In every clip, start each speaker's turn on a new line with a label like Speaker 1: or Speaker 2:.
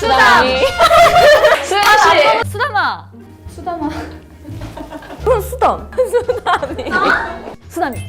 Speaker 1: 수담이.
Speaker 2: 수연씨.
Speaker 1: 수담아.
Speaker 2: 수담아.
Speaker 1: 수담. 수담이. 수담이.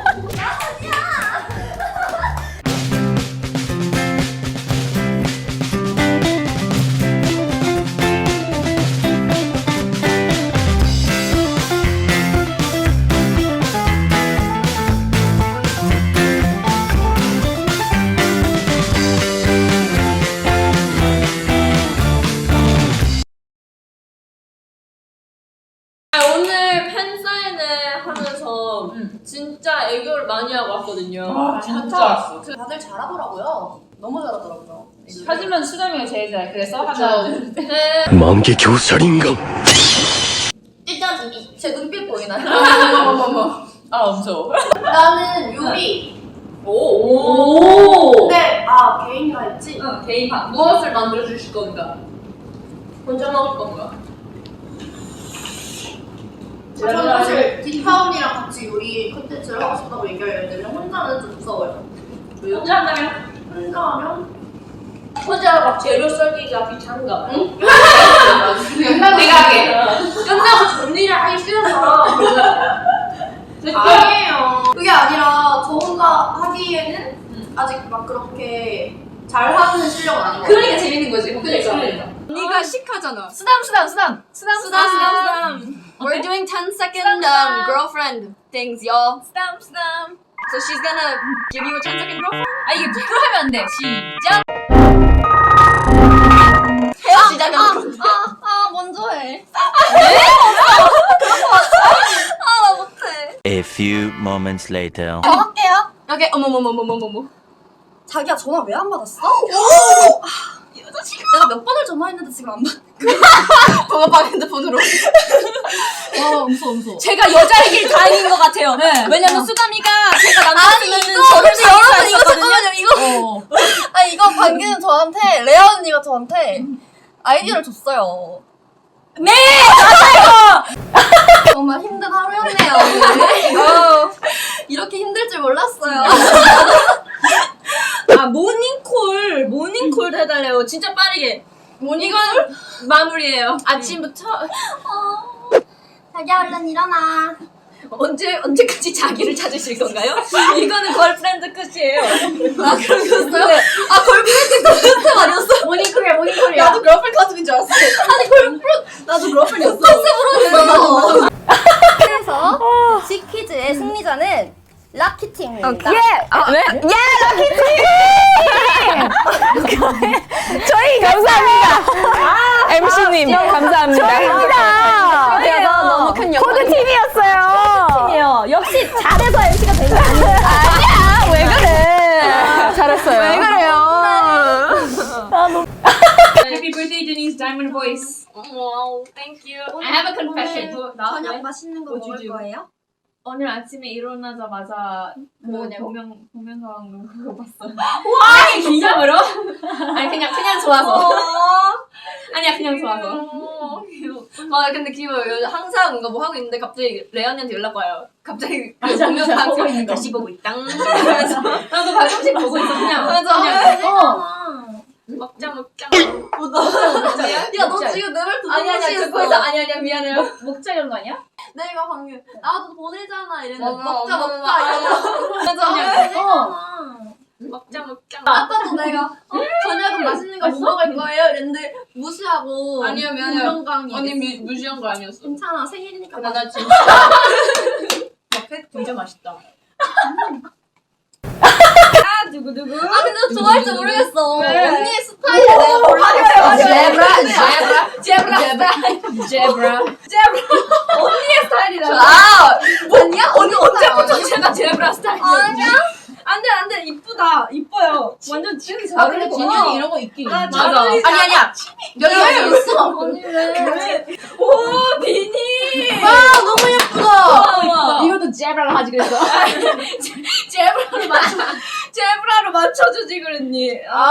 Speaker 3: 오늘 팬사인회 하면서 진짜 애교를 많이 하고 왔거든요.
Speaker 2: 진짜.
Speaker 4: 다들 잘하더라고요. 너무 잘하더라고요.
Speaker 2: 하지만 수담이가 제일 잘. 그래서 하나, 둘, 셋.
Speaker 5: 만개 교살인간
Speaker 4: 일단 제 눈빛 보이나요?
Speaker 2: 어머머머. 아, 무서워.
Speaker 4: 나는 요리.
Speaker 2: 오.
Speaker 4: 근데 개인이라 했지?
Speaker 2: 응, 개인 방.
Speaker 3: 무엇을 만들어 주실 건가? 혼자 먹을 건가?
Speaker 4: 저는 사실 딥타운이랑 같이 요리 컨텐츠를 하고 싶다고 얘기하려는데 혼자는 좀 무서워요. 왜요?
Speaker 3: 혼자 한다면?
Speaker 4: 혼자 하면?
Speaker 3: 혼자 막 재료 썰기가 귀찮은가? 응?
Speaker 2: 내가 할게.
Speaker 3: 끝나고 정리를 하기 싫어서.
Speaker 4: 아니에요. 그게 아니라 저 혼자 하기에는 아직 막 그렇게 잘하는 실력은 아닌 것 같아요.
Speaker 2: 그러니까 재밌는 거지.
Speaker 3: 그러니까.
Speaker 4: 언니가 식하잖아.
Speaker 1: 수담.
Speaker 4: We're doing 10-second girlfriend things, y'all.
Speaker 1: 수담.
Speaker 4: So she's gonna give you a 10-second girlfriend?
Speaker 1: 아 이게 부끄러우면 안 돼. 시작.
Speaker 4: 시작은 먼저 해. 나 못해.
Speaker 5: A few moments later.
Speaker 4: 저 할게요. 오케이. 어머머머머머머머. 자기야 전화 왜 안 받았어? 내가 몇 번을 전화했는데 지금 안 받. 번호방 핸드폰으로. 무서워.
Speaker 1: 제가 여자이길 다행인 것 같아요. 왜냐면 수담이가 제가 남자였으면 저를
Speaker 4: 근데 여러분 이거
Speaker 1: 했었거든요.
Speaker 4: 잠깐만요. 이거 이거 방금 저한테 레아 언니가 저한테 아이디어를 줬어요.
Speaker 1: 네,
Speaker 4: 정말 힘든 하루였네요. 오늘. 이렇게 힘들 줄 몰랐어요.
Speaker 1: 아 모닝콜 해달래요. 진짜 빠르게.
Speaker 4: 이건
Speaker 1: 마무리예요. 아침부터
Speaker 4: 자기야 얼른 일어나.
Speaker 1: 언제까지 자기를 찾으실 건가요? 이거는 걸프렌드 끝이에요.
Speaker 4: 아 그러셨어요? 걸프렌드 컨셉 아니었어?
Speaker 1: 모닝콜이야.
Speaker 4: 나도 걸프렌드 컨셉인 줄 알았어. 아니 걸프렌드 나도 걸프렌드였어. 컨셉으로 했어. 그래서 지퀴즈의 승리자는 락키팀입니다.
Speaker 1: 저희 감사합니다. MC님 감사합니다. 저희입니다.
Speaker 4: 그래서 너무 큰 영광.
Speaker 1: 코드 팀이었어요. 역시 잘해서 MC가 된 거 아니에요? 아니야. 왜 그래? 잘했어요. 왜 그래요?
Speaker 2: Happy birthday, Denise Diamond Voice.
Speaker 3: Wow, thank you.
Speaker 2: I have a confession.
Speaker 4: 저녁 맛있는 거 먹을 거예요?
Speaker 3: 오늘 아침에 일어나자마자
Speaker 4: 뭐냐고?
Speaker 3: 공연상 그거 봤어.
Speaker 2: 아니, 기념으로?
Speaker 3: 아니 그냥 좋아서. 아니야 그냥 좋아서. 근데 귀여워요. 항상 뭔가 뭐 하고 있는데 갑자기 레언이한테 연락 와요. 갑자기 공연상
Speaker 2: 보고 있는 거.
Speaker 3: 다시 보고 있다. 나도 가끔씩 보고 있어 그냥. 먹자.
Speaker 4: 야, 너 지금 내 말 듣고
Speaker 3: 아니야 그거에서 아니야 미안해요.
Speaker 2: 목자 이런 거 아니야?
Speaker 4: 내가 방금 나도 보내잖아 이랬는데
Speaker 3: 먹자. 먹자.
Speaker 4: 아까도 내가 저녁은 맛있는 거 뭐 먹을 거예요? 이랬는데 무시하고
Speaker 3: 아니요, 미안해요.
Speaker 4: 공명강이
Speaker 3: 언니 무시한 거 아니었어.
Speaker 4: 괜찮아 생일이니까
Speaker 3: 근데 나 진짜
Speaker 2: 진짜 맛있다.
Speaker 1: 누구?
Speaker 4: 근데 너 좋아할 줄 모르겠어.
Speaker 2: 왜?
Speaker 4: 언니의 스타일을 내가 몰라요.
Speaker 3: 제브라.
Speaker 2: 언니의 스타일이다.
Speaker 4: 뭐냐? 언니
Speaker 3: 언제부터 제가 제브라 스타일이야?
Speaker 4: 아니야?
Speaker 1: 안돼 이쁘다 이뻐요. 완전 지금
Speaker 2: 아, 근데 진현이 이런 거 있긴 있어.
Speaker 3: 아니야.
Speaker 4: 여기 있어.
Speaker 1: 오 비니.
Speaker 4: 너무 예쁘다.
Speaker 2: 이것도 제브라가 하지 그랬어.
Speaker 1: 제브라로 맞춰주지 그랬니?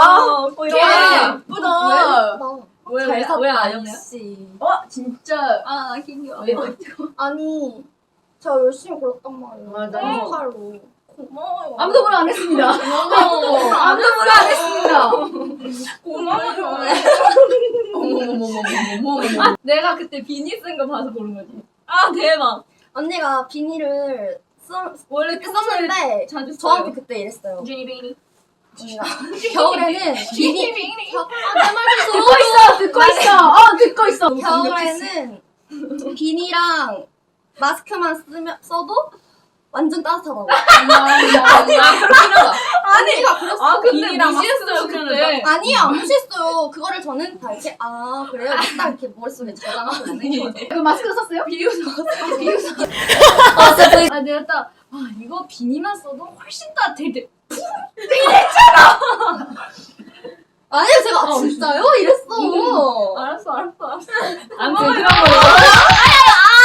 Speaker 4: 예쁘다.
Speaker 1: 왜안
Speaker 4: 역시.
Speaker 2: 진짜.
Speaker 1: 귀여워.
Speaker 4: 아니 저 열심히 골랐단 말이에요.
Speaker 3: 맞아.
Speaker 4: 칼로. 고마워요.
Speaker 2: 아무도 뭐라 안 했습니다.
Speaker 3: 아무도
Speaker 2: 아무도 뭐라 안 했습니다.
Speaker 3: 고마워요. 내가 그때 비니 쓴 거 봐서 고른 거지. 아 대박.
Speaker 4: 언니가 비니를
Speaker 3: 원래
Speaker 4: 그때 썼는데
Speaker 3: 자주
Speaker 4: 저한테 그때 이랬어요.
Speaker 3: 비니 비니.
Speaker 4: 언니가 겨울에는 비니
Speaker 1: 듣고 있어.
Speaker 4: 겨울에는 비니랑 마스크만 써도 완전 따뜻하다고.
Speaker 3: 그렇긴 하다.
Speaker 4: 언니가 그랬어.
Speaker 3: 아 근데
Speaker 2: 비니랑
Speaker 3: 무시했어요 그때.
Speaker 4: 아니야, 무시했어요. 그거를 저는 다 이렇게 아 그래요. 딱 이렇게 머릿속에 저장하고 있는
Speaker 1: 그 마스크 썼어요?
Speaker 3: 아 내가 딱 이거 비니만 써도 훨씬 따뜻해.
Speaker 4: 아니요, 제가 진짜요? 이랬어.
Speaker 3: 알았어.
Speaker 1: 아무튼 그런 거.